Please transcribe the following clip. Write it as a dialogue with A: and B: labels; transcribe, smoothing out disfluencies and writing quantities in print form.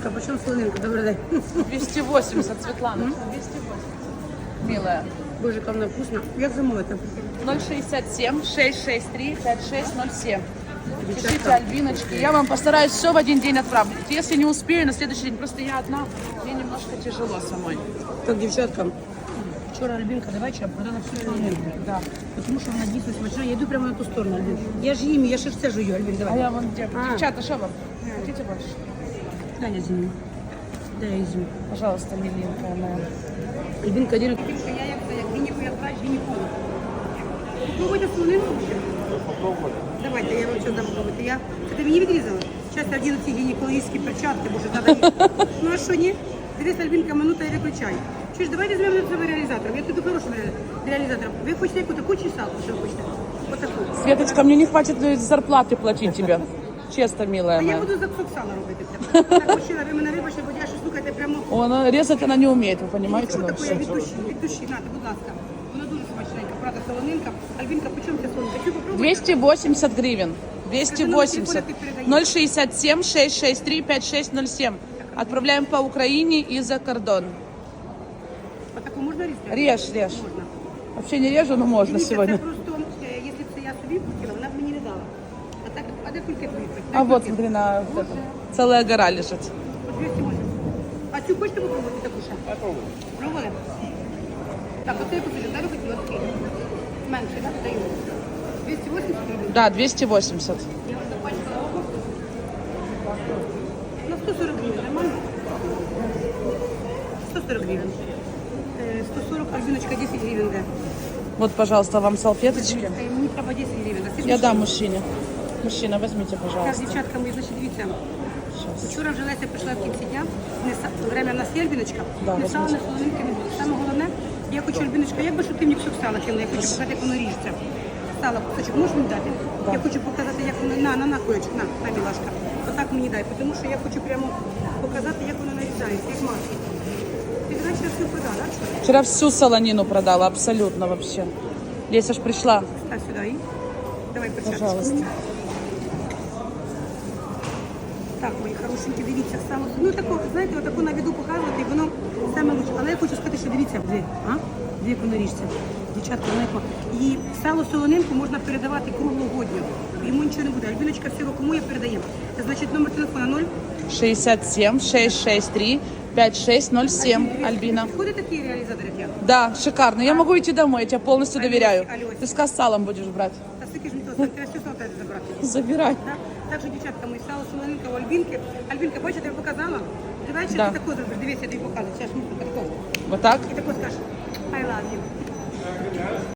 A: Альбинка, почем солонинка? Добрий день.
B: 280, Светлана. 280. Милая.
A: Боже, как она вкусно. Як замовити?
B: 067 663 5607. Пишите, Альбиночки. Я вам постараюсь все в один день отправить. Если не успею, на следующий день. Просто я одна, мне немножко тяжело самой.
A: Так, дівчатка, вчора Альбинка до вечора продала всю солонинку.
B: Да.
A: Тому що вона дійсно смачна. Я йду прямо на ту сторону, Альбин. Я ж їм, я ще все жую, Альбин,
B: А
A: давай.
B: я вон где?
A: А.
B: Девчата, что вам? Хотите больше?
A: Дай я зім'ю. Дай я зім'ю.
B: Пожалуйста, миленькая моя.
A: Альбинка, один. Я як це, як гінеку, як плач, гінеколог. Попробуйте солонинку. Давайте, я вам що дам попробувати. Це ти мені відрізала? Зараз я вдіну ці гінекологічні перчатки, бо вже треба їх. Ну а що, ні? Дивись, Альбинка, минута і виключай. Що ж, давайте візьмемо на себе реалізатором. Я тут хорошим реалізатором. Ви хочете яку таку чи салку, що ви хочете? Отаку.
B: Светочка, мне не хватит зарплаты платить тебе. Честно, милая
A: А я
B: моя.
A: буду за кусок сала робити. Так, мужчина, ви мене вибачте, бо я ще, слухайте, прямо...
B: Она резать она не умеет, вы понимаете?
A: Що
B: ну,
A: таке
B: всё.
A: від душі, нате, будь ласка. Вона дуже смачненька, правда, солонинка. Альбинка, по чому ця солонинка? Чи попробуйте?
B: 280 гривен. 280. 067 663 5607. Отправляем по Украине и за кордон.
A: Отаку можна різати?
B: Режь, режь.
A: Можна.
B: Вообще не режу, но можно
A: Дивіться,
B: сегодня.
A: це просто, якщо б це я собі хотіла, вона б мені не дала. А так, а де кульки твої?
B: А вот, смотри, на вот это. Целая гора лежит.
A: 280. А цю хочете попробувати таку ще?
C: Попробуй.
A: Пробували? Так, оце я купила, далі хотіла такий. Менше, так, даю. 280 гривень.
B: Да, 280.
A: Я вам запачкала око. На 140 гривень, нормально? 140 гривень. 140, Альбиночка, 10 гривень, да.
B: Вот, пожалуйста, вам салфеточки.
A: Мені треба 10 гривень.
B: Я дам мужчине. Мужчина, возьмите,
A: Так,
B: пожалуйста.
A: дівчатка, ми, значить, дивіться.
B: Сейчас.
A: Вчора вже Леся прийшла в кінці дня, время в нас є, Альбіночка,
B: Да,
A: не сало,
B: возьміть.
A: не солонинки не було. Саме головне, я хочу, Альбіночка, як би, щоб ти мені кусок сала кинула, я хочу показати, як воно ріжеться. Сало, кусочок, можеш мені дати?
B: Да.
A: Я хочу показати, як воно, на, кулечок, на, мілашка. Отак мені дай, тому що я хочу прямо показати, як воно нарізається, як масло. Ти вчора все продала, так? Що?
B: Вчера всю солонину продала, абсолютно вообще. Леся ж пришла.
A: Став сюди і давай перчаточку.
B: Пожалуйста.
A: Так, мої хорошенькі, дивіться, сало. Ну тако, знаєте, отако на віду показувати, і воно саме лучше. Але я хочу сказати, що дивіться, дві як воно ріжеться. Дівчатка, знаєте, і сало солонинку можна передавати круглогодню. Йому нічого не буде. Альбіночка всього кому я передаю. Це значить номер телефона 0.
B: 67 663 5607. Альбина.
A: Ходить такий реалізатор, як я.
B: Да, шикарно. Я могу идти домой, я тебя полностью доверяю.
A: Алёсь.
B: Ты с салом будешь брать.
A: Та скільки ж мені того, треба все сало забрати.
B: Забирай.
A: Так? Так що, дівчатка, мої сало солонинка у Альбінки. Альбінка, бачите, я показала? Давай ще
B: Да.
A: ти тако зробиш. Дивіться, я тобі показую. Зараз ми тако.
B: Вот так?
A: І тако скажеш, I love you.